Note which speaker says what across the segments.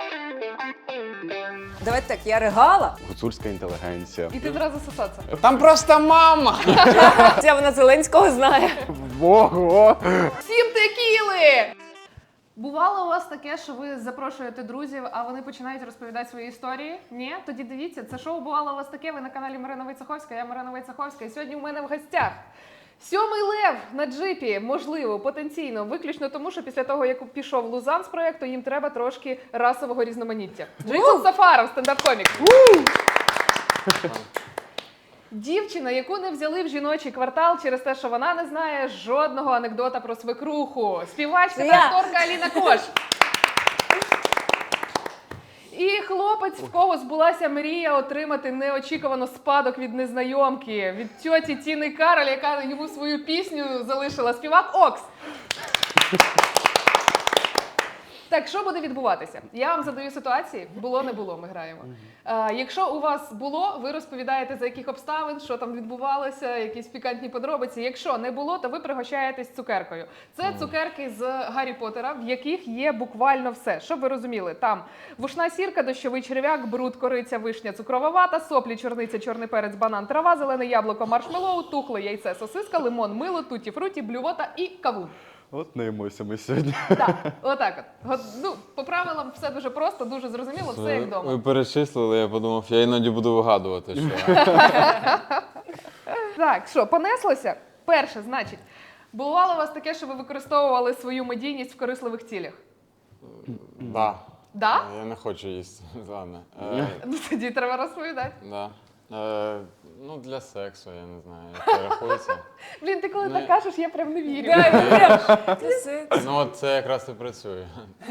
Speaker 1: Давайте так, я ригала.
Speaker 2: Гуцульська інтелігенція.
Speaker 3: І ти зразу сосаться.
Speaker 4: Там просто мама!
Speaker 1: Це вона Зеленського знає.
Speaker 2: Ого!
Speaker 3: Всім текіли! Бувало у вас таке, що ви запрошуєте друзів, а вони починають розповідати свої історії? Ні? Тоді дивіться, це шоу «Бувало у вас таке», ви на каналі Марина Войцеховська, я Марина Войцеховська, і сьогодні у мене в гостях сьомий лев на джипі, можливо, потенційно, виключно тому, що після того, як пішов Лузан з проєкту, їм треба трошки расового різноманіття. Джейкоб Сафаров, стендап-комік. Дівчина, яку не взяли в жіночий квартал через те, що вона не знає жодного анекдота про свекруху. Співачка та акторка Аліна Кош. І хлопець, в кого збулася мрія отримати неочікувано спадок від незнайомки, від тьоті Тіни Кароль, яка йому свою пісню залишила. Співак Окс. Так, що буде відбуватися? Я вам задаю ситуації. Було, не було, ми граємо. Якщо у вас було, ви розповідаєте, за яких обставин, що там відбувалося, якісь пікантні подробиці. Якщо не було, то ви пригощаєтесь цукеркою. Це цукерки з Гаррі Поттера, в яких є буквально все. Щоб ви розуміли, там вушна сірка, дощовий черв'як, бруд, кориця, вишня, цукрова вата, соплі, чорниця, чорний перець, банан, трава, зелене яблуко, маршмеллоу, тухле яйце, сосиска, лимон, мило, туті-фруті, блювота і кавун.
Speaker 2: От наїмося ми сьогодні.
Speaker 3: Так, отак от. Ну, по правилам все дуже просто, дуже зрозуміло, все як вдома.
Speaker 4: Ви перечислили, я подумав, я іноді буду вигадувати, що...
Speaker 3: Так, що, понеслося? Перше, значить, бувало у вас таке, що ви використовували свою медійність в корисливих цілях?
Speaker 4: Да.
Speaker 3: Да?
Speaker 4: Я не хочу їсти, ладно.
Speaker 3: Ну тоді треба розповідати.
Speaker 4: Да. Ну, для сексу, я не знаю, як це рахується.
Speaker 3: Блін, ти коли
Speaker 4: Ну,
Speaker 3: так кажеш, я прям не вірю.
Speaker 4: Ну, от це якраз і працює.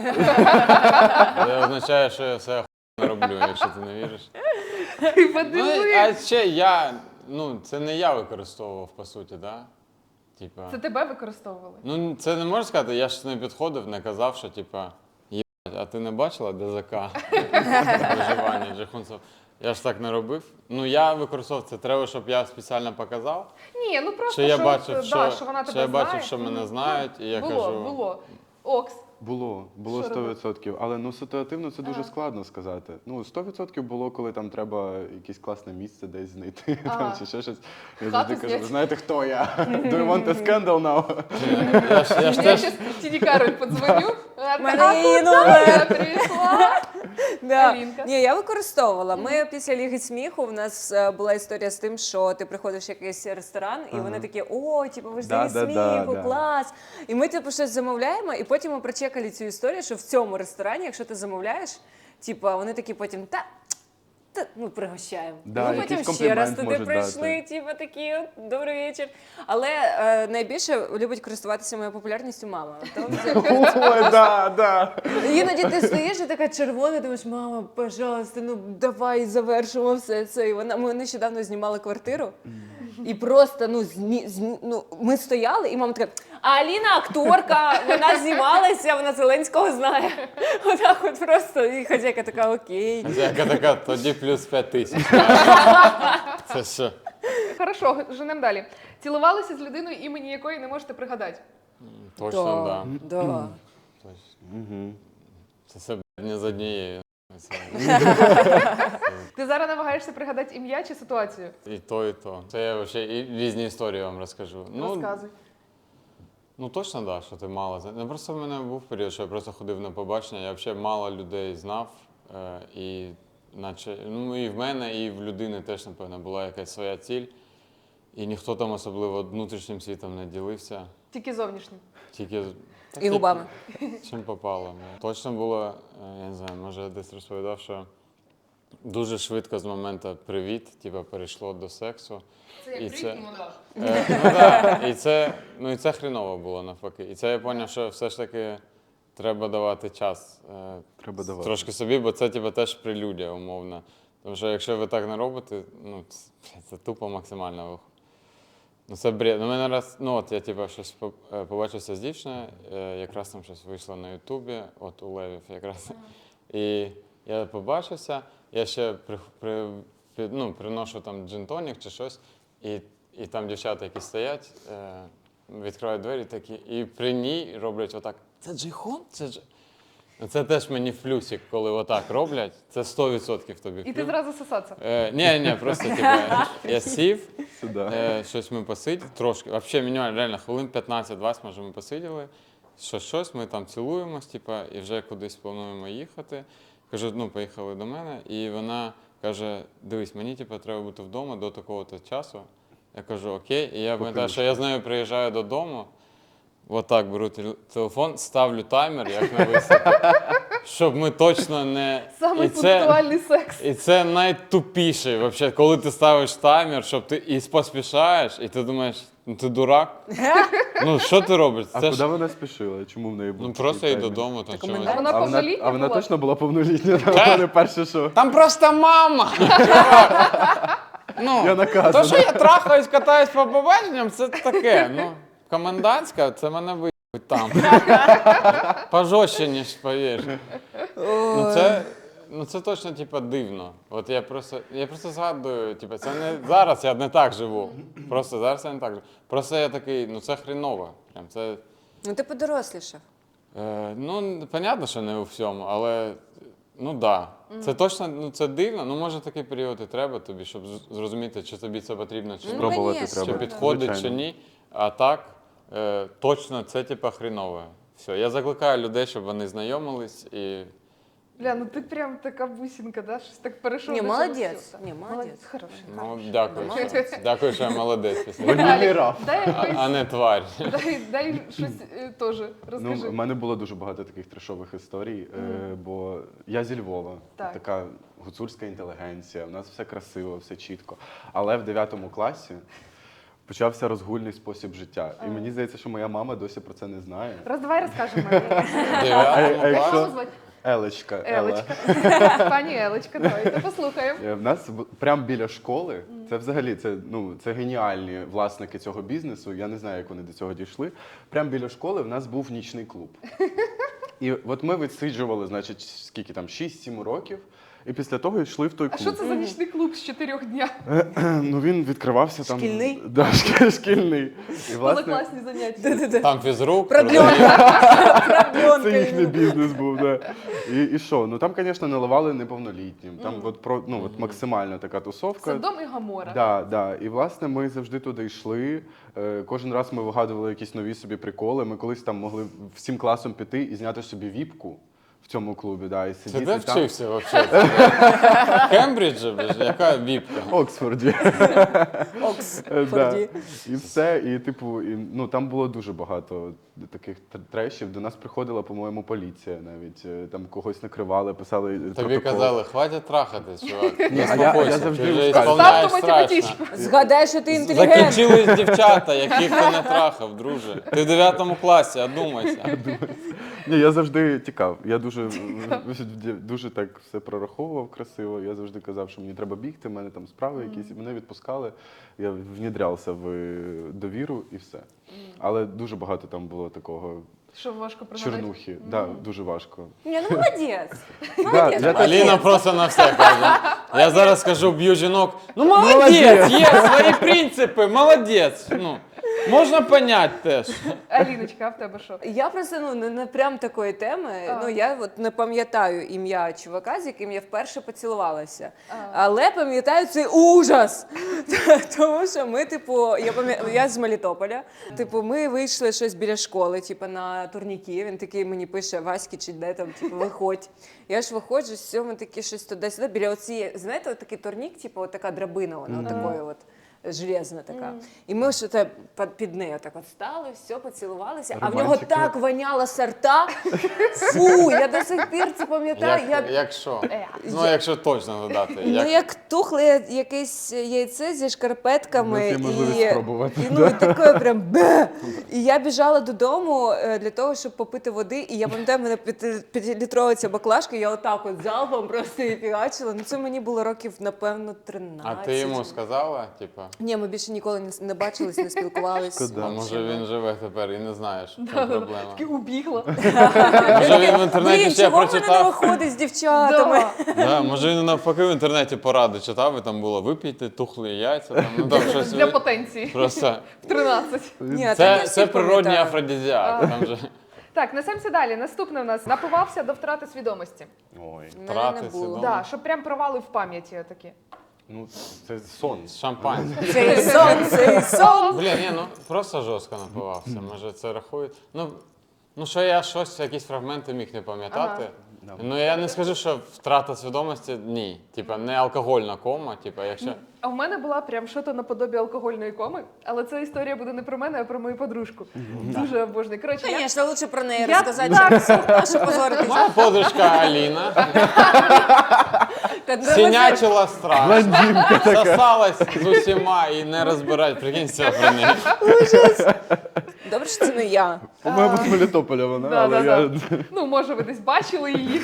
Speaker 4: Це означає, що я все не роблю, якщо ти не віриш.
Speaker 3: Ти
Speaker 4: Ну,
Speaker 3: подиви.
Speaker 4: а ще це не я використовував, по суті, да? Типа,
Speaker 3: Це тебе використовували?
Speaker 4: ну, це не можна сказати, я ж не підходив, не казав, що, типа, а ти не бачила ДЗК? Виживання Джейхунцев. Я ж так не робив. Ну, я використовував це. Треба, щоб я спеціально показав.
Speaker 3: Ні, ну просто,
Speaker 4: Що я
Speaker 3: що,
Speaker 4: бачив,
Speaker 3: да,
Speaker 4: що,
Speaker 3: що вона тебе
Speaker 4: що я бачив,
Speaker 3: знає.
Speaker 4: що мене знають, і я
Speaker 3: було,
Speaker 4: кажу...
Speaker 3: Було. Окс.
Speaker 2: Було
Speaker 3: Що
Speaker 2: 100%. Але ну ситуативно це дуже складно сказати. Ну, 100% було, коли там треба якесь класне місце десь знайти, там, чи ще щось. Я завжди кажу,
Speaker 3: зняти.
Speaker 2: ви знаєте, хто я? Do you want a scandal now?
Speaker 4: Я ж
Speaker 3: Я
Speaker 4: теж...
Speaker 3: зараз Тіні Кароль подзвоню.
Speaker 1: мене її
Speaker 3: Я
Speaker 1: номер.
Speaker 3: прийшла.
Speaker 1: Да.
Speaker 3: Алінка.
Speaker 1: Ні, я використовувала. Ми після Ліги сміху, в нас була історія з тим, що ти приходиш в якийсь ресторан, і вони такі, о, типу, ви ж
Speaker 2: Да,
Speaker 1: Ліги
Speaker 2: да,
Speaker 1: сміху,
Speaker 2: да.
Speaker 1: клас. І ми типу щось замовляємо, і потім ми прочекали цю історію, що в цьому ресторані, якщо ти замовляєш, типу, вони такі потім, ну, пригощаємо.
Speaker 2: Да,
Speaker 1: Ми потім
Speaker 2: якийсь
Speaker 1: ще раз
Speaker 2: комплімент
Speaker 1: туди
Speaker 2: можуть
Speaker 1: прийшли,
Speaker 2: дати.
Speaker 1: типу, такі, от, добрий вечір. Але найбільше любить користуватися моєю популярністю мама.
Speaker 2: Ой, да.
Speaker 1: Іноді ти стоїш і така червона, думаєш, мама, пожалуйста, ну давай завершимо все це. І ми нещодавно знімали квартиру, і просто, ми стояли, і мама така, а Аліна акторка, вона знімалася, вона Зеленського знає. Отак от просто, і хазяйка така, окей.
Speaker 4: Хазяйка така, тоді плюс 5000. Це що?
Speaker 3: Хорошо, женемо далі. Цілувалися з людиною, імені якої не можете пригадати.
Speaker 4: Точно, да.
Speaker 1: Да.
Speaker 4: Точно. Це все не з однією.
Speaker 3: Ти зараз намагаєшся пригадати ім'я чи ситуацію?
Speaker 4: І то, і то. Це я ще і різні історії вам розкажу.
Speaker 3: Розказуй.
Speaker 4: Ну точно, да, що ти мало. Ну, просто в мене був період, що я просто ходив на побачення, я взагалі мало людей знав. І наче, ну і в мене, і в людини теж, напевно, була якась своя ціль. І ніхто там особливо внутрішнім світом не ділився.
Speaker 3: Тільки зовнішнім.
Speaker 4: Тільки
Speaker 1: І губами.
Speaker 4: чим попало. Точно було, я не знаю, може я десь розповідав, що дуже швидко з моменту привіт, типу, перейшло до сексу.
Speaker 3: Це
Speaker 4: І
Speaker 3: як
Speaker 4: це-
Speaker 3: кліп і монтаж.
Speaker 4: Ну так, і це хріново було навпаки. І це я зрозумів, що все ж таки треба давати час
Speaker 2: Треба давати.
Speaker 4: трошки собі, бо це типу, теж прелюдія умовна. Тому що якщо ви так не робите, ну це тупо максимально. Ну це бред. Ну, мене раз, ну от я типу, щось побачився з дівчиною, якраз там щось вийшло на Ютубі, от у Левів якраз. І я побачився, я ще приношу там джин-тонік чи щось, і там дівчата, які стоять, відкривають двері такі, і при ній роблять отак, це Джейхон? Це теж мені флюсик, коли отак роблять. Це 100% тобі
Speaker 3: І ти
Speaker 4: флюс.
Speaker 3: зразу сосаться.
Speaker 4: Ні, просто типу, я сів,
Speaker 2: Сюди.
Speaker 4: щось ми посиділи, трошки, взагалі мінімально, реально, хвилин 15-20, може, ми посиділи, щось, ми там цілуємось, типу, і вже кудись плануємо їхати. Кажу, ну, поїхали до мене, і вона каже, дивись, мені, типу, треба бути вдома до такого-то часу. Я кажу, окей, і я пам'ятаю, що я з нею приїжджаю додому, отак беру телефон, ставлю таймер, як на висоті, щоб ми точно не...
Speaker 3: Самий
Speaker 4: І це-
Speaker 3: пунктуальний секс.
Speaker 4: І це найтупіший, вообще, коли ти ставиш таймер, щоб ти і поспішаєш, і ти думаєш, ну ти дурак. Ну що ти робиш?
Speaker 2: А
Speaker 4: Це
Speaker 2: куди
Speaker 4: ж
Speaker 2: вона спішила? Чому в неї був
Speaker 4: ну
Speaker 2: такий
Speaker 4: просто йди
Speaker 2: таймінг?
Speaker 4: додому, там
Speaker 1: Так,
Speaker 4: чогось.
Speaker 3: А вона
Speaker 2: А вона,
Speaker 3: повнолітня
Speaker 2: а вона
Speaker 3: була?
Speaker 2: точно була повнолітня, вона не перше, що
Speaker 4: Там просто мама! Ну,
Speaker 2: я наказаний.
Speaker 4: то, що я трахаюсь, катаюсь по побаченням, це таке. Ну, комендантська, це мене виїбуть там. Пожорстче, ніж повір. Ну це точно типа дивно. От я просто згадую, типа, це не зараз я не так живу. Просто зараз я не так живу. Просто я такий, ну це хріново. Прям це.
Speaker 1: Ну ти подорослішав.
Speaker 4: Ну, понятно, що не у всьому, але ну да. Це точно, ну це дивно. Ну може такий період і треба тобі, щоб зрозуміти, чи тобі це потрібно, чи
Speaker 1: Ну,
Speaker 4: ні.
Speaker 2: Спробувати
Speaker 1: конечно,
Speaker 2: треба.
Speaker 4: Чи підходить,
Speaker 2: звичайно.
Speaker 4: чи ні. А так, точно це типа хрінове. Все. Я закликаю людей, щоб вони знайомились і.
Speaker 3: Бля, ну ти прям така бусинка, да? Щось так перейшов.
Speaker 1: Ні,
Speaker 3: до цього
Speaker 1: молодець.
Speaker 3: всього.
Speaker 1: Ні, молодець.
Speaker 3: Хороший.
Speaker 4: Ну, дякую,
Speaker 1: Молодець.
Speaker 4: дякую, що я молодець після.
Speaker 2: Ванільний раф.
Speaker 3: Дай
Speaker 4: А
Speaker 3: якось,
Speaker 4: не тварь.
Speaker 3: дай щось теж
Speaker 2: Ну,
Speaker 3: розкажи.
Speaker 2: в мене було дуже багато таких трешових історій, бо я зі Львова,
Speaker 3: Так.
Speaker 2: така гуцульська інтелігенція, у нас все красиво, все чітко. Але в 9 класі почався розгульний спосіб життя. І мені здається, що моя мама досі про це не знає.
Speaker 3: Давай розкажемо. Мамі.
Speaker 2: А
Speaker 3: Маму
Speaker 2: якщо
Speaker 3: звати?
Speaker 2: Елечка,
Speaker 3: Елечка. Пані Елечка, давайте послухаємо.
Speaker 2: В нас прямо біля школи, це взагалі це геніальні власники цього бізнесу. Я не знаю, як вони до цього дійшли. Прямо біля школи в нас був нічний клуб. І от ми відсиджували, значить, скільки там, 6-7 років, і після того йшли в той
Speaker 3: А
Speaker 2: клуб.
Speaker 3: що це за нічний клуб з 4 дня?
Speaker 2: Ну він відкривався там.
Speaker 1: Шкільний?
Speaker 2: Да, шкільний. І власне
Speaker 3: Класні заняття.
Speaker 4: Там фізрук.
Speaker 1: Продльонка.
Speaker 2: це їхній бізнес був. Да. І що? Ну там, звісно, наливали неповнолітнім. Там от максимально така тусовка.
Speaker 3: Содом і Гомора.
Speaker 2: Да. І власне ми завжди туди йшли. Кожен раз ми вигадували якісь нові собі приколи. Ми колись там могли всім класом піти і зняти собі віпку в цьому клубі. Да, і
Speaker 4: Ти
Speaker 2: сидіти
Speaker 4: де
Speaker 2: там.
Speaker 4: вчився взагалі? В Кембриджі, яка віпка?
Speaker 2: В Оксфорді.
Speaker 1: Оксфорді.
Speaker 2: І все. І типу, там було дуже багато таких трешів. До нас приходила, по-моєму, поліція навіть. Там когось накривали, писали
Speaker 4: Тобі
Speaker 2: протокол.
Speaker 4: казали, хватить трахатись, чувак.
Speaker 2: Ні,
Speaker 4: Не
Speaker 2: я
Speaker 4: спокойся,
Speaker 2: завжди
Speaker 4: ти вже
Speaker 2: розказую.
Speaker 4: ісполняєш
Speaker 3: Ставте
Speaker 4: страшно.
Speaker 3: математичку.
Speaker 1: Згадай, що ти інтелігент.
Speaker 4: Закінчились дівчата, яких ти не трахав, друже. Ти в 9 класі, одумайся.
Speaker 2: Ні, я завжди тікав. Я дуже так все прораховував красиво. Я завжди казав, що мені треба бігти, в мене там справи якісь, і мене відпускали. Я внідрявся в довіру і все. Але дуже багато там було такого
Speaker 3: Що важко пригадати?
Speaker 2: чернухи. Да, дуже важко.
Speaker 1: Ні, ну молодець.
Speaker 2: Да, я так-
Speaker 4: Аліна просто на все каже. Я зараз скажу, б'ю жінок. Ну молодець, є свої принципи, молодець. Ну, можна понять теж.
Speaker 3: Аліночка, а в тебе що?
Speaker 1: Я просто не прям такої теми. Ну я от не пам'ятаю ім'я чувака, з яким я вперше поцілувалася. Але пам'ятаю цей ужас. Тому що ми, типу, я з Мелітополя. Типу, ми вийшли щось біля школи, типу, на турніки. Він такий мені пише: Васьки, чи де там, типу, виходь. Я ж виходжу, все, ми такі щось туди-сюди. Біля оцієї, знаєте, от такий турнік, типу, от така драбина, вона такою от. Железна така. І ми ж під нею так от стали, все, поцілувалися, а в нього
Speaker 2: Романтика.
Speaker 1: так воняло сорта. Фу, я до сих пір це пам'ятаю.
Speaker 4: Якщо? Ну, якщо точно додати.
Speaker 1: Ну, як тухле якесь яйце зі шкарпетками.
Speaker 2: Ну, це можливість спробувати,
Speaker 1: І таке прям бе. І я біжала додому для того, щоб попити води. І я пам'ятаю, в мене 5-літрова ця баклажка, я отак от залпом просто її фігачила. Ну, це мені було років, напевно, 13.
Speaker 4: А ти йому сказала, типа?
Speaker 1: Ні, ми більше ніколи не бачились, не спілкувались.
Speaker 2: Шкода.
Speaker 4: А може він живе тепер і не знає, що в чому проблема.
Speaker 3: Таки убігла.
Speaker 4: Може він в інтернеті
Speaker 1: Блін,
Speaker 4: ще
Speaker 1: чого мене не
Speaker 4: прочитав.
Speaker 1: виходить з дівчатами?
Speaker 4: Да, може він навпаки в інтернеті поради читав, і там було випійте тухлі яйця, там, ну там щось.
Speaker 3: Для потенції.
Speaker 4: Просто
Speaker 3: В 13.
Speaker 1: Ні, так я
Speaker 4: це
Speaker 1: всіх
Speaker 4: природній
Speaker 1: пам'ятаю.
Speaker 4: афродизіак. Там же
Speaker 3: Так, несемося далі. Наступне у нас напивався до втрати свідомості.
Speaker 2: Ой,
Speaker 1: У мене не
Speaker 4: Втрати
Speaker 1: було.
Speaker 4: свідомості.
Speaker 3: Да, щоб прям провали в пам'яті такі.
Speaker 2: ну це сон.
Speaker 4: Шампанське.
Speaker 1: Цей сон, цей сон.
Speaker 4: Блін, ні, ну просто жорстко напивався. Може це рахує. Ну що я щось, якісь фрагменти міг не пам'ятати.
Speaker 2: Да.
Speaker 4: Ну я не скажу, що втрата свідомості ні. Типа не алкогольна кома, типа якщо.
Speaker 3: А в мене була прям що-то наподобі алкогольної коми, але ця історія буде не про мене, а про мою подружку. Дуже обожнюю. Коротше, я...
Speaker 1: Звісно, лучше про неї
Speaker 3: Я
Speaker 1: розказати,
Speaker 3: так-
Speaker 1: а що позоритися.
Speaker 4: Моя подружка Аліна сінячила страшно, сосалась з усіма і не розбирать. Прикинь, все про неї.
Speaker 1: Добре, що це не я.
Speaker 2: По-моєму, з Мелітополя вона,
Speaker 3: Да,
Speaker 2: але
Speaker 3: да,
Speaker 2: я...
Speaker 3: Ну, може, ви десь бачили її.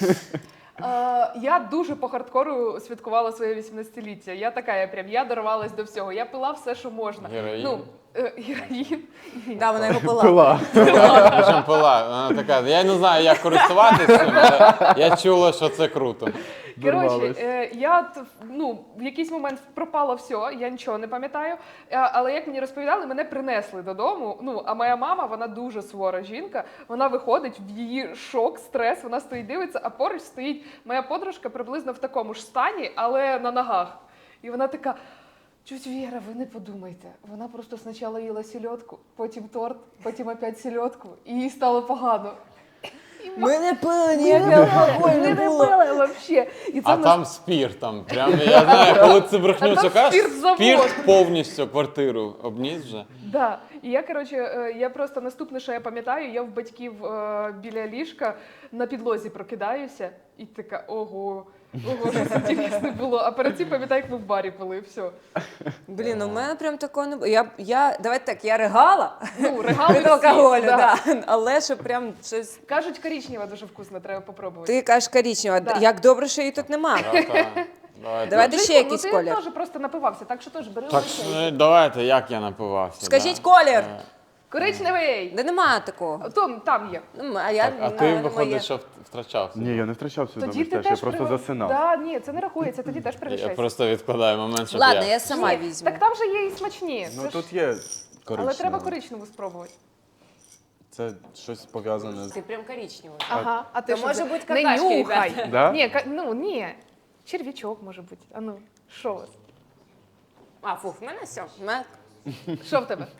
Speaker 3: Я дуже по хардкору святкувала своє 18-ліття. Я дорвалась до всього. Я пила все, що можна.
Speaker 4: Героїн?
Speaker 3: Ну, героїн.
Speaker 1: Да, вона його пила.
Speaker 2: Пила.
Speaker 4: Причому пила. Вона така, я не знаю, як користуватися цим, але я чула, що це круто.
Speaker 3: Коротше,
Speaker 2: Дорвалась.
Speaker 3: в якийсь момент пропало все, я нічого не пам'ятаю. Але як мені розповідали, мене принесли додому. Ну, а моя мама, вона дуже сувора жінка. Вона виходить, в її шок, стрес, вона стоїть, дивиться, а поруч стоїть моя подружка приблизно в такому ж стані, але на ногах. І вона така: "Тьоть Віра, ви не подумайте. Вона просто спочатку їла сільодку, потім торт, потім опять сільодку, і їй стало погано".
Speaker 1: Ми не пили, ніякий алкоголь
Speaker 3: Ми
Speaker 1: не
Speaker 3: не
Speaker 1: було.
Speaker 3: пили взагалі. І це
Speaker 4: А
Speaker 3: в нас
Speaker 4: там спірт, там прям, я знаю, коли це брехню
Speaker 3: А там
Speaker 4: кажеш,
Speaker 3: спіртзавод.
Speaker 4: спірт повністю квартиру обніс вже.
Speaker 3: Да. І я просто наступне, що я пам'ятаю, я в батьків біля ліжка на підлозі прокидаюся і така: ого, щось інтересне було. А перед цим пам'ятаю, як ми в барі пили, все.
Speaker 1: Блін, у мене прям такого не було. Давайте так, я ригала
Speaker 3: Ну, регали
Speaker 1: від
Speaker 3: всі,
Speaker 1: алкоголю,
Speaker 3: да.
Speaker 1: да. Але що прям щось...
Speaker 3: Кажуть, коричнева дуже вкусна, треба попробувати.
Speaker 1: Ти кажеш коричнева.
Speaker 3: Да.
Speaker 1: Як добре, що її тут нема. Давайте ще якийсь
Speaker 3: ти
Speaker 1: колір.
Speaker 3: теж просто напивався, так що теж бери
Speaker 4: Так,
Speaker 3: лише.
Speaker 4: давайте, як я напивався.
Speaker 1: Скажіть
Speaker 4: да.
Speaker 1: колір.
Speaker 3: Коричневий!
Speaker 1: Де нема такого.
Speaker 3: Там є.
Speaker 1: Ну, а я,
Speaker 4: Так, а ти,
Speaker 1: моє.
Speaker 4: виходить, що втрачався.
Speaker 2: Ні, я не втрачав
Speaker 3: Тоді
Speaker 2: свідомість,
Speaker 3: ти
Speaker 2: я
Speaker 3: теж
Speaker 2: просто засинав.
Speaker 3: Да, ні, це не рахується, тоді теж
Speaker 4: Я
Speaker 3: пригощайся.
Speaker 4: просто відкладаю момент, щоб
Speaker 1: Ладно, я сама
Speaker 3: Ні,
Speaker 1: візьму.
Speaker 3: Так там же є і смачні.
Speaker 2: Ну
Speaker 3: Це ж-
Speaker 2: тут є коричневе.
Speaker 3: Але треба коричневу спробувати.
Speaker 2: Це щось пов'язане з...
Speaker 1: Ти прям коричневий.
Speaker 3: Ага, а ти
Speaker 1: То
Speaker 3: що
Speaker 1: може
Speaker 3: за-
Speaker 1: бути
Speaker 3: Не
Speaker 1: какашки,
Speaker 3: нюхай.
Speaker 1: ребята.
Speaker 2: Да?
Speaker 3: Ні, ні. Черв'ячок може бути. А ну, що у вас?
Speaker 1: А, фух, в мене все.
Speaker 3: Що в тебе?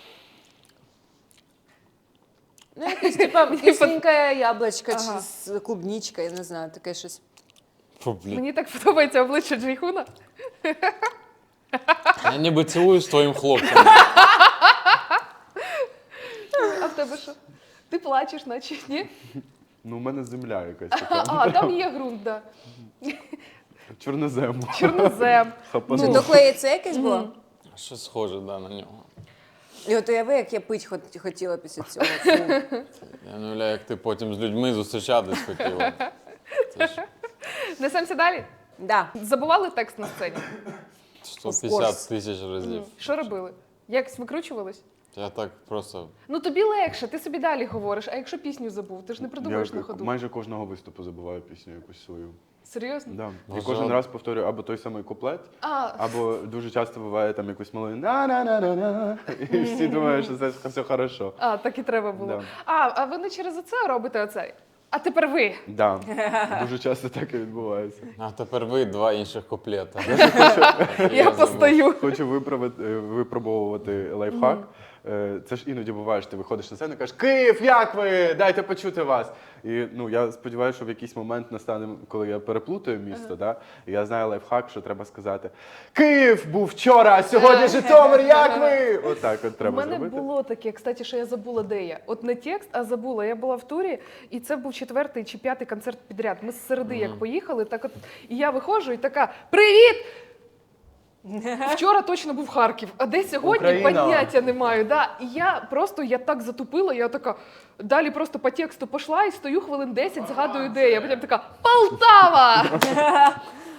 Speaker 1: Ну, якесь, типа, кисленьке яблучко
Speaker 3: Ага.
Speaker 1: чи з клубничкою, я не знаю, таке щось.
Speaker 4: Фу, блін.
Speaker 3: Мені так подобається обличчя Джейхуна.
Speaker 4: Я ніби цілую з твоїм хлопцем.
Speaker 3: А в тебе що? Ти плачеш, наче ні?
Speaker 2: Ну, у мене земля якась така.
Speaker 3: А, там є ґрунт, да.
Speaker 2: Чорнозему.
Speaker 3: Чорнозем.
Speaker 2: Хапанув.
Speaker 1: Чи то клеїться якесь було?
Speaker 4: Щось схоже, да, на нього.
Speaker 1: І от уяви, як я пить хотіла після цього. Фу.
Speaker 4: Я не уявляю, як ти потім з людьми зустрічатись хотіла. Це ж
Speaker 3: Несемося далі.
Speaker 1: Да.
Speaker 3: Забували текст на сцені?
Speaker 4: 150 тисяч разів.
Speaker 3: Що робили? Якось викручувались?
Speaker 4: Я так просто.
Speaker 3: Ну тобі легше, ти собі далі говориш, а якщо пісню забув, ти ж не придумаєш на ходу.
Speaker 2: майже кожного виступу забуваю пісню якусь свою.
Speaker 3: Серйозно?
Speaker 2: Да. І
Speaker 4: Боже,
Speaker 2: кожен
Speaker 4: а-
Speaker 2: раз повторюю або той самий куплет,
Speaker 3: А,
Speaker 2: або дуже часто буває там якусь малою на-на-на-на-на, і всі думають, що це все хорошо.
Speaker 3: так і треба було.
Speaker 2: Да.
Speaker 3: А ви не через оце робите оце? А тепер ви.
Speaker 2: Да. Дуже часто так і відбувається.
Speaker 4: А тепер ви два інших куплета.
Speaker 3: Я постою.
Speaker 2: Хочу випробовувати лайфхак. Це ж іноді буває, що ти виходиш на сцену і кажеш: Київ, як ви? Дайте почути вас. І ну, я сподіваюся, що в якийсь момент настане, коли я переплутаю місто, да? І я знаю лайфхак, що треба сказати: Київ був вчора, а сьогодні Житомир, як ви? Отак от
Speaker 3: У
Speaker 2: треба
Speaker 3: мене
Speaker 2: зробити.
Speaker 3: було таке, кстати, що я забула, де я. От не текст, а забула. Я була в турі, і це був 4-й чи 5-й концерт підряд. Ми з середи як поїхали, так от, і я виходжу і така: привіт! Вчора точно був Харків, а де сьогодні
Speaker 2: Україна.
Speaker 3: поняття не маю. Да. І я так затупила, я така далі просто по тексту пішла і стою хвилин 10, згадую, де я. Потім така: Полтава!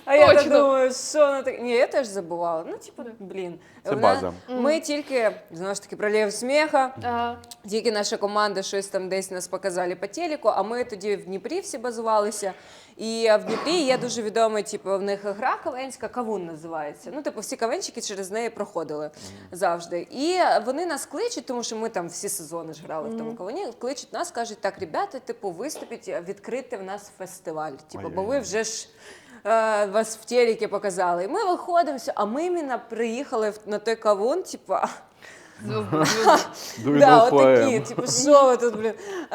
Speaker 1: А я так
Speaker 3: Точно.
Speaker 1: думаю, що вона так. Ні, я теж забувала. Ну, типу, блін.
Speaker 2: Це
Speaker 1: Вона-
Speaker 2: база.
Speaker 1: Ми тільки, знову ж таки, про Лєв сміха.
Speaker 3: Ага.
Speaker 1: Тільки наша команда щось там десь нас показали по телеку, а ми тоді в Дніпрі всі базувалися. І в Дніпрі є дуже відомий, типу, в них гра кавенська, кавун називається. Ну, типу, всі кавенчики через неї проходили завжди. І вони нас кличуть, тому що ми там всі сезони ж грали в тому кавуні. Кличуть нас, кажуть, так, ребята, типу, виступіть, відкрити в нас фестиваль. Типу, бо ви вже ж вас в телекі показали. І ми виходимо, все, а ми іменно приїхали на той кавун, типу. Да, отакі, типу, що ви тут, блін.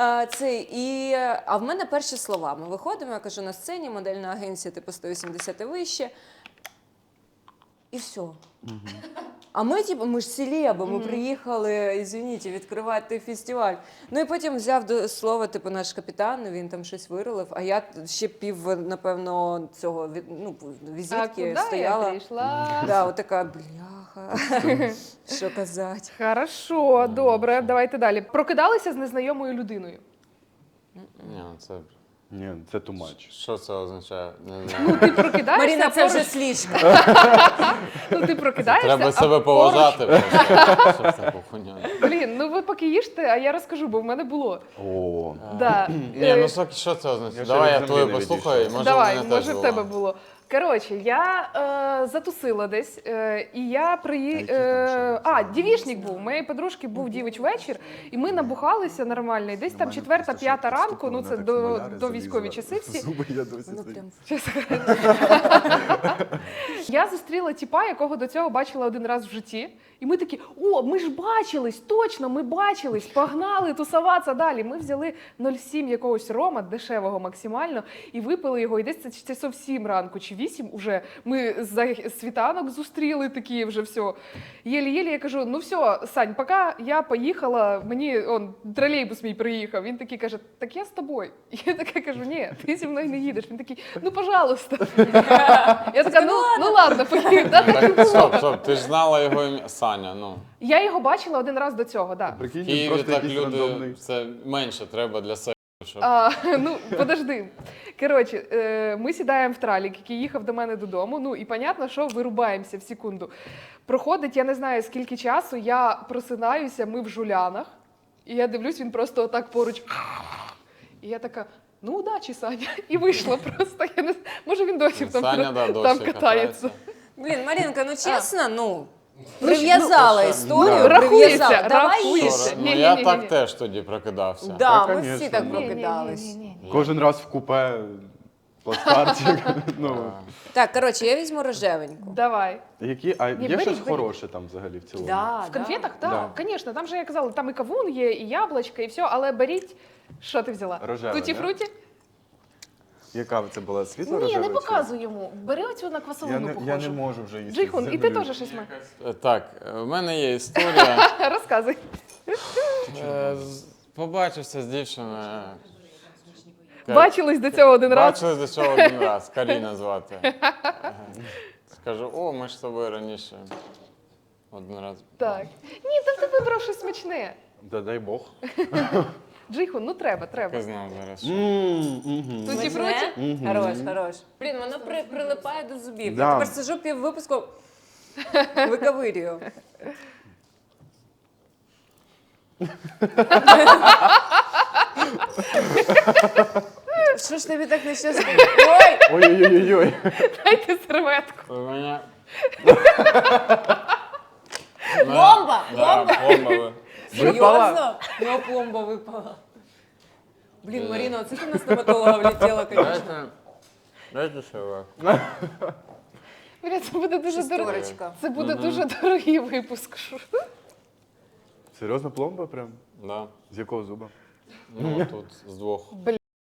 Speaker 1: А в мене перші слова. Ми виходимо, я кажу, на сцені, модельна агенція, типу, 180 і вище. І все. А ми, типу, ми ж селеби, ми приїхали, извините, відкривати фестиваль. Ну і потім взяв до слова, типу, наш капітан, він там щось виролив, а я ще напевно, цього, візитки
Speaker 3: куди
Speaker 1: стояла.
Speaker 3: я прийшла?
Speaker 1: Да, отака, бляха, що казати.
Speaker 3: Хорошо, добре, давайте далі. Прокидалися з незнайомою людиною.
Speaker 4: Ні, це...
Speaker 2: Ні, це too much.
Speaker 4: Що це означає? Не знаю.
Speaker 3: Ну, ти прокидаєшся,
Speaker 1: Маріна, це
Speaker 3: поруч-
Speaker 1: вже слишком.
Speaker 3: ну, ти прокидаєшся,
Speaker 4: Треба
Speaker 3: а
Speaker 4: себе
Speaker 3: поруч-
Speaker 4: поважати, просто, щоб таку хуйню.
Speaker 3: Блін, ну ви поки їжте, а я розкажу, бо в мене було.
Speaker 2: О,
Speaker 3: Да.
Speaker 4: Ні, ну що це означає?
Speaker 2: Я
Speaker 4: Давай
Speaker 2: ще
Speaker 4: я
Speaker 2: від
Speaker 4: твою
Speaker 2: землі не
Speaker 4: послухаю, і
Speaker 2: відійшов.
Speaker 4: може
Speaker 3: Давай,
Speaker 4: в мене
Speaker 3: може
Speaker 4: теж
Speaker 3: в тебе
Speaker 4: було.
Speaker 3: було. Коротше, я затусила десь, і я дівішник був. У моєї подружки був дівич вечір, і ми набухалися нормально. І десь там 4-5 ранку, ну це до військові часи всі.
Speaker 2: Зуби я досі
Speaker 1: Ну,
Speaker 2: стою.
Speaker 1: прям.
Speaker 3: Я зустріла тіпа, якого до цього бачила один раз в житті. І ми такі, о, ми ж бачились, точно, ми бачились, погнали тусуватися далі. Ми взяли 0,7 якогось рома, дешевого максимально, і випили його. І десь це часов 7 ранку чи 8 уже ми за світанок зустріли такі вже все. Єлі-єлі я кажу, ну все, Сань, поки я поїхала, мені тролейбус мій приїхав. Він такий каже, так я з тобою. І я така кажу, ні, ти зі мною не їдеш. Він такий, ну пожалуйста. Я така, ну ладно, поїхав.
Speaker 4: Так, стоп, ти ж знала його ім'я Саня, ну.
Speaker 3: Я його бачила один раз до цього, так. Да.
Speaker 2: Прикинь,
Speaker 4: В
Speaker 2: він
Speaker 4: Києві
Speaker 2: просто
Speaker 4: так
Speaker 2: якийсь
Speaker 4: люди,
Speaker 2: рандомний.
Speaker 4: це менше треба для себе, щоб...
Speaker 3: Ну, подожди. Коротше, ми сідаємо в тралік, який їхав до мене додому. Ну і понятно, що вирубаємося в секунду. Проходить, я не знаю скільки часу, я просинаюся, ми в жулянах, і я дивлюсь, він просто отак поруч. І я така, ну удачі, Саня. І вийшла просто. Я не... Може він досі там,
Speaker 4: Саня, да,
Speaker 3: там
Speaker 4: досі
Speaker 3: катається.
Speaker 1: Блін, Марінка, ну чесно, ну, прив'язала історію,
Speaker 2: да.
Speaker 3: Рахується,
Speaker 1: прив'язала. Давай
Speaker 3: рахується.
Speaker 1: їж.
Speaker 4: Ну,
Speaker 3: Ні-ні-ні-ні.
Speaker 4: я так теж тоді прокидався.
Speaker 1: Да,
Speaker 2: Та,
Speaker 1: ми всі
Speaker 2: конечно,
Speaker 1: так
Speaker 2: ну.
Speaker 1: прокидались.
Speaker 3: Ні-ні-ні-ні-ні.
Speaker 2: Кожен раз в купе, плацкартик. Ну,
Speaker 1: Так, коротше, я візьму рожевеньку.
Speaker 3: Давай.
Speaker 2: а
Speaker 3: Ні,
Speaker 2: є
Speaker 3: беріть,
Speaker 2: щось
Speaker 3: беріть.
Speaker 2: хороше там взагалі в цілому?
Speaker 1: Да,
Speaker 3: В конфетах?
Speaker 2: Да.
Speaker 3: Так, звісно. Там же я казала, там і кавун є, і яблучко, і все, але беріть. Що ти взяла?
Speaker 2: Рожеве,
Speaker 3: Туті-фруті?
Speaker 2: Яка це була світло
Speaker 3: Ні,
Speaker 2: рожева?
Speaker 3: не показуй йому. Бери оцю на квасолину
Speaker 2: Я
Speaker 3: похожу.
Speaker 2: не можу вже їсти.
Speaker 3: Джейхун, і ти
Speaker 2: землю.
Speaker 3: теж щось маєш?
Speaker 4: Так, в мене є історія.
Speaker 3: Розказуй.
Speaker 4: Побачився з дівчиною.
Speaker 3: Бачились до цього один раз.
Speaker 4: Бачились до цього один раз, Каріна звати. Скажу, о, ми ж з тобою раніше один раз.
Speaker 3: Так. Ні, та ти вибрав щось смачне.
Speaker 2: Да дай Бог.
Speaker 3: Джейхун, ну треба.
Speaker 4: Я знав зараз.
Speaker 3: Туті-фруті?
Speaker 1: Хорош, хорош. Блін, воно прилипає до зубів.
Speaker 2: Да.
Speaker 1: Я тепер сижу пів випуску, виковирюю. Що ж тобі так нещасно? Ой!
Speaker 2: Ой-ой-ой-ой.
Speaker 3: Дайте серветку.
Speaker 4: У мене...
Speaker 1: Бомба!
Speaker 4: Да, бомба.
Speaker 1: Серйозно? Ну, пломба випала. Блін, Маріна, оце ти на стоматолога влетіла, звісно.
Speaker 4: Дайте серветку.
Speaker 3: Бля, це буде дуже дорогий.
Speaker 1: Шестерочка.
Speaker 3: Це буде дуже дорогий випуск.
Speaker 2: Серйозно, пломба прям?
Speaker 4: Да.
Speaker 2: З якого зуба?
Speaker 4: Ну, тут з двох.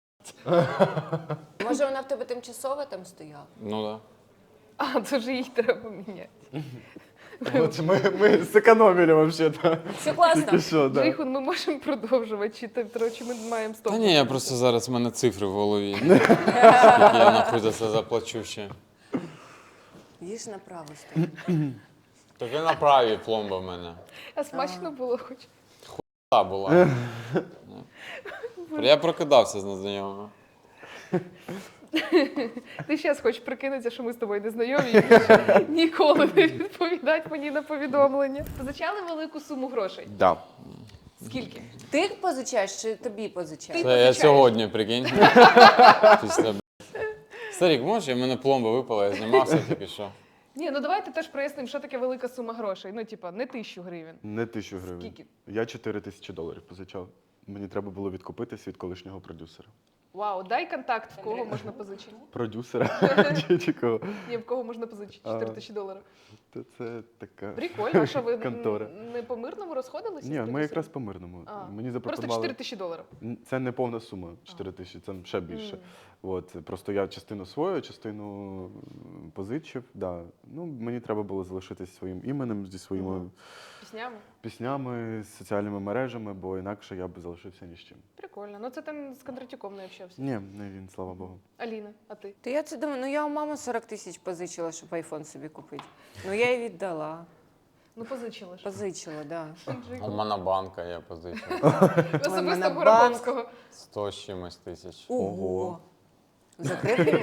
Speaker 1: Може, вона в тебе тимчасово там стояла?
Speaker 4: Ну, да.
Speaker 3: А, то ж їх треба міняти.
Speaker 2: От ми зекономили вообще-то.
Speaker 1: Все класно.
Speaker 2: Тільки що, да.
Speaker 3: Джейхун, ми можемо продовжувати, чи ми маємо стоп?
Speaker 4: Та ні, я просто зараз в мене цифри в голові. Скільки я нахуй за це заплачу ще.
Speaker 1: Їж направо стой.
Speaker 4: Так і на правій пломба в мене.
Speaker 3: А смачно було хоч.
Speaker 4: Та була. Я прокидався з незнайомими.
Speaker 3: Ти зараз хочеш прикинутися, що ми з тобою не знайомі і більше ніколи не відповідати мені на повідомлення. Позичали велику суму грошей.
Speaker 2: Да.
Speaker 3: Скільки?
Speaker 1: Ти їх позичаєш чи тобі позичаєш?
Speaker 3: Ти
Speaker 4: Це я
Speaker 3: позичаєш.
Speaker 4: сьогодні, прикинь. Після, блядь. Старік, можеш, в мене пломба випала, я знімався тільки що.
Speaker 3: Ні, ну давайте теж прояснимо, що таке велика сума грошей. Ну, типа, не 1000 гривень.
Speaker 2: Не 1000 гривень.
Speaker 3: Скільки?
Speaker 2: Я $4000 позичав. Мені треба було відкупитись від колишнього продюсера.
Speaker 3: Вау, дай контакт, в кого можна позичити.
Speaker 2: Продюсера чи кого?
Speaker 3: Ні, в кого можна позичити $4000.
Speaker 2: Та це така
Speaker 3: Прикольно, а що ви
Speaker 2: контора.
Speaker 3: не по мирному розходилися? з
Speaker 2: Ні, ми
Speaker 3: продюсером?
Speaker 2: якраз по мирному.
Speaker 3: А,
Speaker 2: Мені
Speaker 3: Просто
Speaker 2: запропонували.
Speaker 3: $4000.
Speaker 2: Це не повна сума 4000, це ще більше. От, просто я частину свою, частину позичив. Да. Ну, мені треба було залишитись своїм іменем, зі своїми
Speaker 3: Піснями?
Speaker 2: піснями, з соціальними мережами, бо інакше я б залишився ні з чим.
Speaker 3: Прикольно. Ну це ти з Кондратюком не общався.
Speaker 2: Ні, не він, слава Богу.
Speaker 3: Аліна, а ти?
Speaker 1: Та я це думаю, ну я у мами 40 тисяч позичила, щоб айфон собі купити. Ну я їй віддала.
Speaker 3: Ну позичила ж.
Speaker 1: Позичила, да.
Speaker 4: У Монобанка я позичив.
Speaker 3: Особисто
Speaker 1: Монобанк.
Speaker 3: Гороховського.
Speaker 4: 100 з чимось тисяч.
Speaker 1: Ого. Закрив?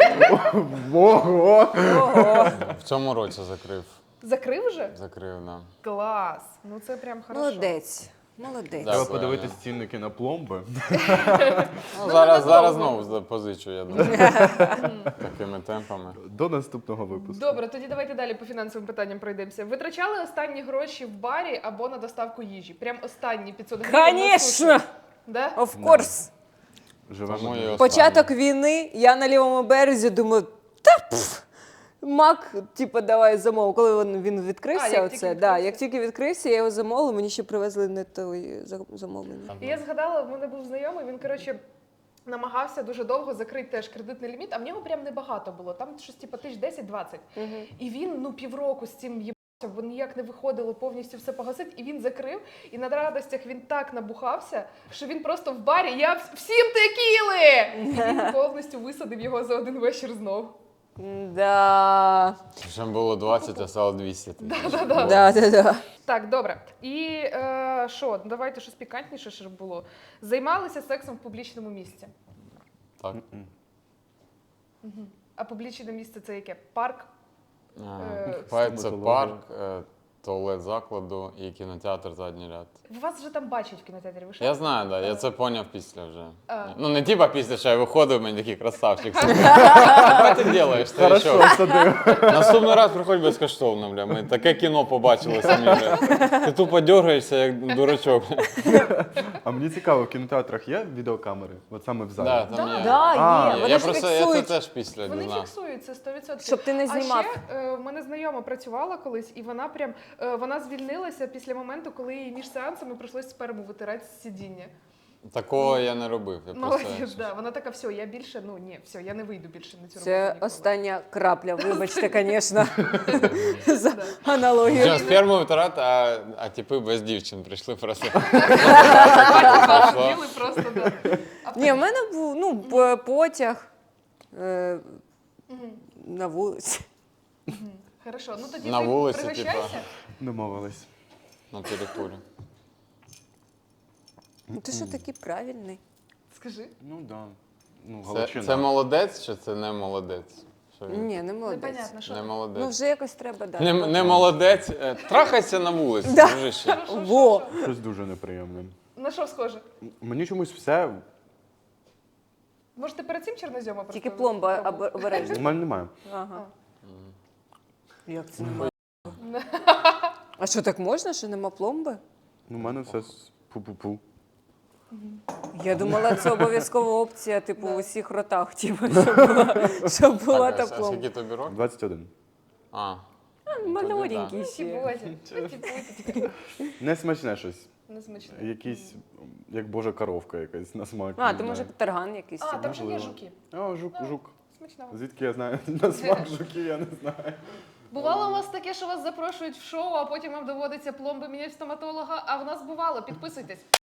Speaker 2: Ого!
Speaker 1: Ого.
Speaker 4: В цьому році закрив.
Speaker 3: Закрив вже?
Speaker 4: Закрив, да.
Speaker 3: Клас. Ну це прям хорошо.
Speaker 1: Молодець. Молодець.
Speaker 4: Да.
Speaker 2: Треба
Speaker 4: Дякую,
Speaker 2: подивитись
Speaker 4: Аня.
Speaker 2: цінники на пломби.
Speaker 4: Ну, зараз знову позичу, я думаю. Такими темпами.
Speaker 2: До наступного випуску.
Speaker 3: Добре, тоді давайте далі по фінансовим питанням пройдемося. Витрачали останні гроші в барі або на доставку їжі? Прям останні 500 гривень на суші?
Speaker 1: Конечно!
Speaker 3: Да?
Speaker 1: Of course.
Speaker 2: Живемо.
Speaker 4: Тому і останнє.
Speaker 1: Початок війни, я на лівому березі думаю, Мак, типу, давай замов. Коли він відкрився,
Speaker 3: як тільки
Speaker 1: оце,
Speaker 3: відкрився.
Speaker 1: як тільки відкрився, я його замовила, мені ще привезли не той замовлення.
Speaker 3: І я згадала, в мене був знайомий, він, коротше, намагався дуже довго закрити теж кредитний ліміт, а в нього прям небагато було. Там щось типу 10-20. І він, ну, півроку з цим їбався, бо ніяк не виходило повністю все погасити. І він закрив, і на радостях він так набухався, що він просто в барі, я всім текіли! І він повністю висадив його за один вечір знов.
Speaker 1: Да.
Speaker 4: Ще було 20, а стало 200.
Speaker 1: Да.
Speaker 3: Так, добре. І що, давайте щось пікантніше, щоб було. Займалися сексом в публічному місці.
Speaker 4: Так.
Speaker 3: А публічне місце це яке? Парк?
Speaker 4: Це
Speaker 2: стоматологія.
Speaker 4: парк, туалет закладу і кінотеатр задній ряд.
Speaker 3: Вас вже там бачать в кінотеатрі, ви що?
Speaker 4: Я знаю, да, я це поняв після вже.
Speaker 3: А.
Speaker 4: Ну не типа після, що я виходив, мені такий красавчик. Що ти робиш? Ти
Speaker 2: Хорошо,
Speaker 4: що?
Speaker 2: садив.
Speaker 4: Наступний раз приходь безкоштовно, бля. Ми таке кіно побачили самі, бля. Ти тупо дергаєшся, як дурачок.
Speaker 2: А мені цікаво, в кінотеатрах є відеокамери? От саме в залі?
Speaker 4: Да, там є.
Speaker 1: Да,
Speaker 2: А,
Speaker 1: є.
Speaker 4: Я
Speaker 1: Вони ж
Speaker 4: просто я це
Speaker 1: фіксують.
Speaker 4: теж після
Speaker 3: Вони
Speaker 4: дізнався.
Speaker 3: фіксують це 100%.
Speaker 1: Щоб ти не знімав.
Speaker 3: А ще в мене знайома працювала колись, і вона прям вона звільнилася після моменту, коли їй між сеансами прийшлось сперму витирати з сидіння.
Speaker 4: Такого я не робив. Я
Speaker 3: Молодець,
Speaker 4: просто...
Speaker 3: да. Вона така, все, я більше, ну ні, все, я не вийду більше на цю роботу.
Speaker 1: Це
Speaker 3: ніколи.
Speaker 1: остання крапля, вибачте, звісно, за аналогію.
Speaker 4: Що, сперму витирати, а типи без дівчин прийшли просто.
Speaker 3: Їли просто, да.
Speaker 1: Ні, в мене був потяг на вулиці.
Speaker 3: Хорошо, ну тоді
Speaker 4: На
Speaker 3: ти
Speaker 4: вулиці,
Speaker 3: пригощайся.
Speaker 2: Домовились.
Speaker 4: На території.
Speaker 1: Ну, ти що такий правильний?
Speaker 3: Скажи.
Speaker 2: Ну так. Да. Ну,
Speaker 4: Це
Speaker 2: Галичина.
Speaker 4: молодець чи це не молодець? Що він?
Speaker 1: Ні, не молодець.
Speaker 3: Непонятно, що.
Speaker 4: Не
Speaker 1: Ну,
Speaker 4: молодець.
Speaker 1: вже якось треба дати.
Speaker 4: Не молодець. Трахайся на вулиці,
Speaker 1: Да.
Speaker 4: дружище.
Speaker 1: Во!
Speaker 2: Щось дуже неприємне.
Speaker 3: На що схоже?
Speaker 2: Мені чомусь все.
Speaker 3: Може, ти перед цим чорнозьома просто?
Speaker 1: Тільки пломба
Speaker 3: пробував?
Speaker 2: У
Speaker 1: обережна.
Speaker 2: мене немає.
Speaker 1: Ага. Як це немає? А що, так можна, що нема пломби?
Speaker 2: Ну, у мене все з пу-пу-пу.
Speaker 1: Я думала, це обов'язкова опція, типу, у всіх ротах, типу, щоб була та
Speaker 4: Так, а
Speaker 1: пломба.
Speaker 4: скільки тобі років?
Speaker 2: 21.
Speaker 4: А.
Speaker 1: Маленький
Speaker 3: Ті
Speaker 1: ще.
Speaker 3: Бозі, ті
Speaker 2: Не смачне щось.
Speaker 3: Несмачно.
Speaker 2: Якийсь, як божа коровка якась на смак.
Speaker 1: А,
Speaker 2: не
Speaker 1: ти може
Speaker 2: знаю.
Speaker 1: тарган якийсь.
Speaker 3: А,
Speaker 1: собі.
Speaker 3: там же є
Speaker 2: Можливо.
Speaker 3: жуки.
Speaker 2: О, жук.
Speaker 3: Смачного.
Speaker 2: Звідки я знаю на смак жуки, я не знаю.
Speaker 3: Бувало у вас таке, що вас запрошують в шоу, а потім вам доводиться пломби міняти в стоматолога, а в нас бувало. Підписуйтесь.